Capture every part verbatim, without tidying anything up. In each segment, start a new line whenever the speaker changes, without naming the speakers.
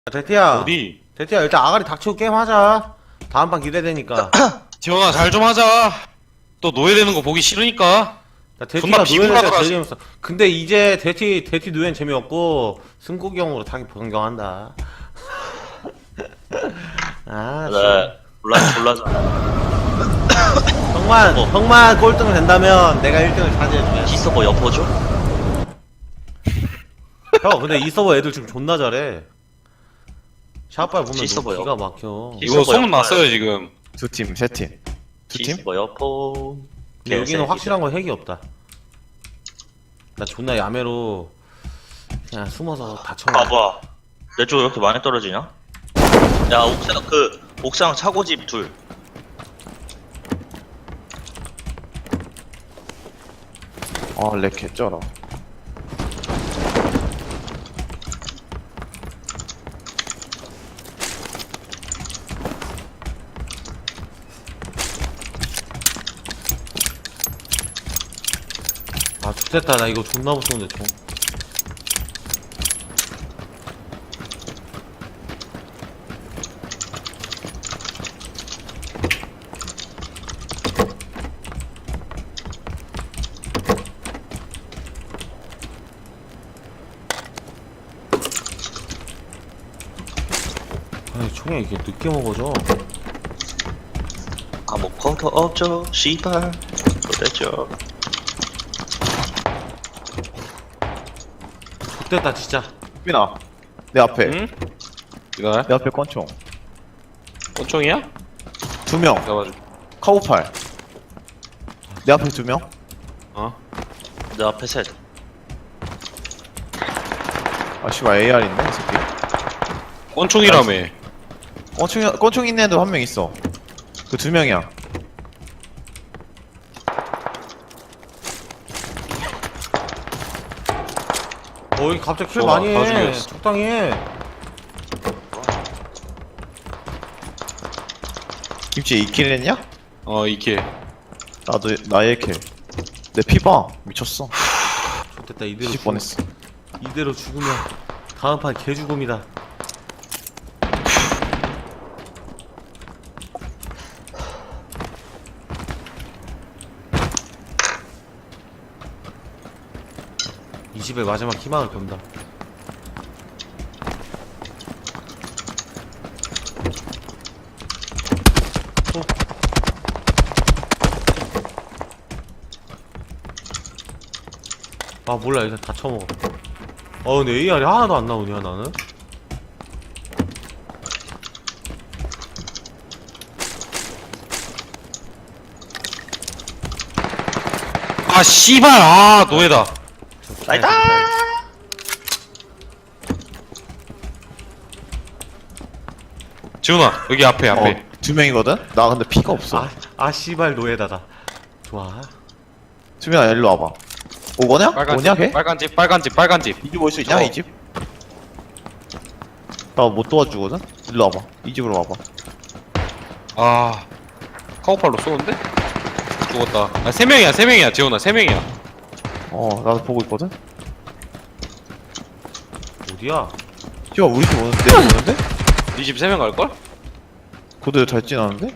대티야,
어디?
대티야 일단 아가리 닥치고 게임 하자. 다음 판 기대되니까.
지원아 잘 좀 하자. 또 노예되는 거 보기 싫으니까.
야, 대티가
존나
노예는
비굴하더라,
제일 재밌어. 근데 이제 대티 대티 노예는 재미없고 승국이 형으로 타기 변경한다. 아,
네, 몰라, 몰라서.
형만
어.
형만 꼴등을 된다면 내가 일 등을 차지해주면.
이 서버 여포죠?
형 근데 이 서버 애들 지금 존나 잘해. 샷발 보면
이 서버요?
기가 막혀.
이
이거
서버요?
소문 났어요 지금.
두 팀, 세 팀. 두
이
팀?
서버 여포.
근데 여기는 확실한 건 핵이 없다. 나 존나 야매로 그냥 숨어서 다쳐.
봐봐. 내 쪽 왜 이렇게 많이 떨어지냐? 야, 옥상, 그, 옥상 차고집 둘.
아, 렉 개쩔어.
아 좋됐다. 나 이거 존나 무서운데 총. 아니 총이 이렇게 늦게 먹어져.
아무것도 없죠, 씨발. 그랬죠.
좋됐다 진짜.
민아, 내 앞에.
응? 이거야?
내 앞에 권총.
권총이야?
두 명.
잡아줘.
카우팔. 내 앞에 두 명.
어?
내 앞에 셋.
아, 씨발, 에이알인데, 이 새끼.
권총이라며.
권총, 권총 있는 애도 한 명 있어. 그 두 명이야.
어이 갑자기 킬
좋아,
많이
다
해.
죽였어.
적당히 해.
김치 이 킬 했냐?
어 이킬.
나도, 나 일 킬. 내 피 봐. 미쳤어.
좋됐다. 이대로
뒤집
죽-
뻔했어.
이대로 죽으면 다음 판 개죽음이다. 이 집의 마지막 희망을 건다. 아 몰라 일단 다 쳐먹어. 어 근데 에이알이 하나도 안 나오냐 나는?
아 씨발 아 노예다.
나이다!
지훈아 여기 앞에 앞에.
어, 두 명이거든? 나 근데 피가 없어.
아, 아 씨발 노예다다. 좋아.
수민아, 일로 와봐. 오거냐?
빨간
오냐,
집,
걔?
빨간 집 빨간 집 빨간 집.
이 집 올 수 있냐,
어.
이 집? 나 못 도와주거든? 일로 와봐. 이 집으로 와봐.
아 카우팔로 쏘는데? 죽었다. 아 세 명이야 세 명이야 지훈아 세 명이야.
어, 나도 보고 있거든?
어디야?
씨발, 우리 집 오는데? 내 집 오는데?
네 집 세 명 갈걸?
고대 잘 지나는데?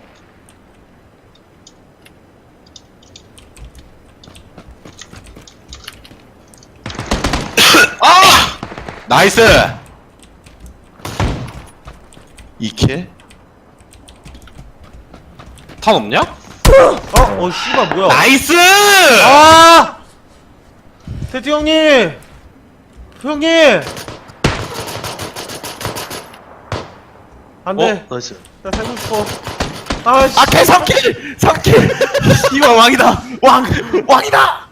나이스.
이 킬?
탄 없냐?
어? 어 씨발 뭐야?
나이스.
아! 대티 형님! 형님! 안 돼.
어? 나이스.
나 살고 싶어. 아, 씨.
아, 걔 삼 킬! 삼 킬! 이거 왕이다! 왕! 왕이다!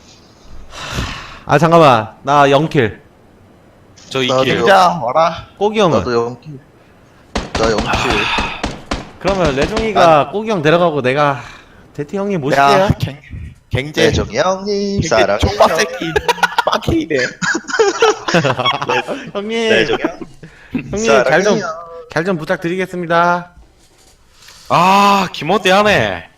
아, 잠깐만. 나 영 킬.
저
나도
이킬.
요-
자, 와라.
꼬기 형은?
나도 영킬. 나 영킬.
그러면 레종이가 꼬기 형 데려가고 내가 대티 형님 모실게요.
야, 갱, 갱제.
대정이 형님,
갱제
사랑해요.
족밥 새끼. 빠킬이네.
형님.
대정이 형.
형님, 잘 좀,
사랑해요.
잘 좀 부탁드리겠습니다.
아 기모대 하네.